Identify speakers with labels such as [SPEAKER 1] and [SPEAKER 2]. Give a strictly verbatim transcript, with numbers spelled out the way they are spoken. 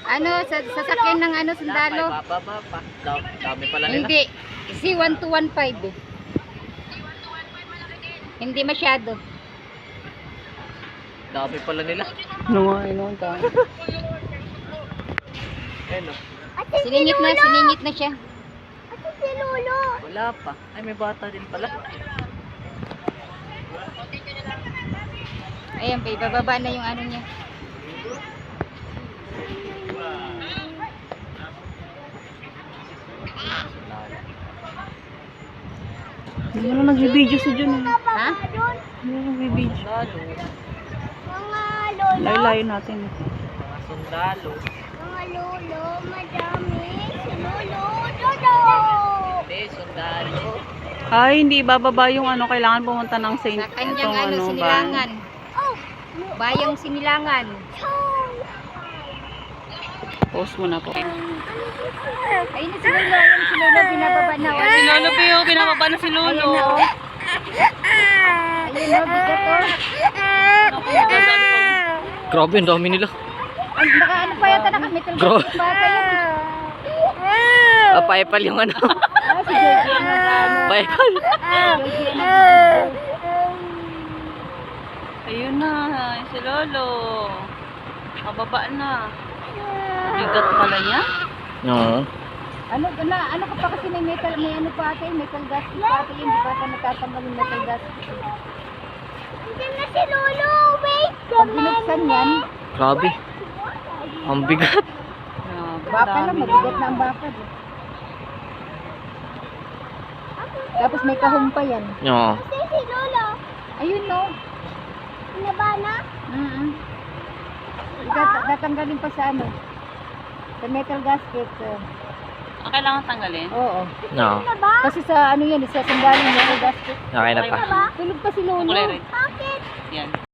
[SPEAKER 1] Ano, sa sasakyan ng ano, sundalo?
[SPEAKER 2] Bababa pa. Dami pala nila.
[SPEAKER 1] Hindi. C one two one five. Hindi masyado.
[SPEAKER 2] Dami pala nila.
[SPEAKER 3] No, ay no, ta.
[SPEAKER 2] Ayun o.
[SPEAKER 1] Siningit na, siningit na siya.
[SPEAKER 4] Si Lolo.
[SPEAKER 2] Wala pa. Ay, may bata din pala.
[SPEAKER 1] Ayan pa, ibababa na yung ano niya.
[SPEAKER 3] Hindi mo na nagbibideo si Jun. Eh.
[SPEAKER 1] Ha?
[SPEAKER 3] Hindi mo nagbibideo.
[SPEAKER 2] Sundalo.
[SPEAKER 4] Mga lolo.
[SPEAKER 3] Layo-layo natin. Eh.
[SPEAKER 2] Mga sundalo.
[SPEAKER 4] Mga lolo. Madami. Si Lolo. Dodo.
[SPEAKER 2] Hindi, sundalo.
[SPEAKER 3] Ay, hindi bababa yung ano, kailangan pumunta ng Saint.
[SPEAKER 1] Sa kanyang
[SPEAKER 3] itong
[SPEAKER 1] ano,
[SPEAKER 3] ba?
[SPEAKER 1] sinilangan.
[SPEAKER 4] Oh.
[SPEAKER 1] Bayang sinilangan.
[SPEAKER 3] Post mo na po.
[SPEAKER 1] Ayun na si Lolo, ayun si Lolo, binababa na. Oh.
[SPEAKER 3] Si Lolo Pio, pinababa na si
[SPEAKER 1] Ayun na,
[SPEAKER 3] Lolo.
[SPEAKER 1] oh. Ayun na, bigat, oh.
[SPEAKER 2] Grabe, ang dami nila.
[SPEAKER 1] Ay, naka, ano pa yata, naka-metal
[SPEAKER 2] Bro.
[SPEAKER 1] gas yung bata yun.
[SPEAKER 2] Ah, paipal yung ano.
[SPEAKER 1] Ah, si Jojo ang nag-ano.
[SPEAKER 2] Paipal.
[SPEAKER 1] Jojo ang nag-video.
[SPEAKER 3] Ayun na, si Lolo. Pababa na. Bigat pala niya.
[SPEAKER 2] Oo.
[SPEAKER 1] Ano, na, ano ka pa kasi may metal, may ano pa ate, metal gas pa ate yun, di ba ka natatanggal yung metal gas?
[SPEAKER 4] Diyan na si Lolo. Wait.
[SPEAKER 1] Pag binuksan yan,
[SPEAKER 2] Grabe. Ang bigat.
[SPEAKER 3] Grabe,
[SPEAKER 1] baka lang,
[SPEAKER 3] dami
[SPEAKER 1] mabigat
[SPEAKER 3] niya.
[SPEAKER 1] na ang baka. di. Tapos may kahon pa yan.
[SPEAKER 2] Oo.
[SPEAKER 4] Kasi si Lolo.
[SPEAKER 1] Ayun no.
[SPEAKER 4] Naba na.
[SPEAKER 1] Mm -hmm. Tatanggalin pa sa ano, sa metal gasket. Uh,
[SPEAKER 3] Ah, kailangan tanggalin?
[SPEAKER 1] oo.
[SPEAKER 2] Oo.
[SPEAKER 4] Naba?
[SPEAKER 1] Kasi sa ano yan, sa sandali metal gasket.
[SPEAKER 2] Okay na pa.
[SPEAKER 1] Tulog pa si Lolo.
[SPEAKER 3] Kulay rin.
[SPEAKER 4] Bakit?
[SPEAKER 3] Yan.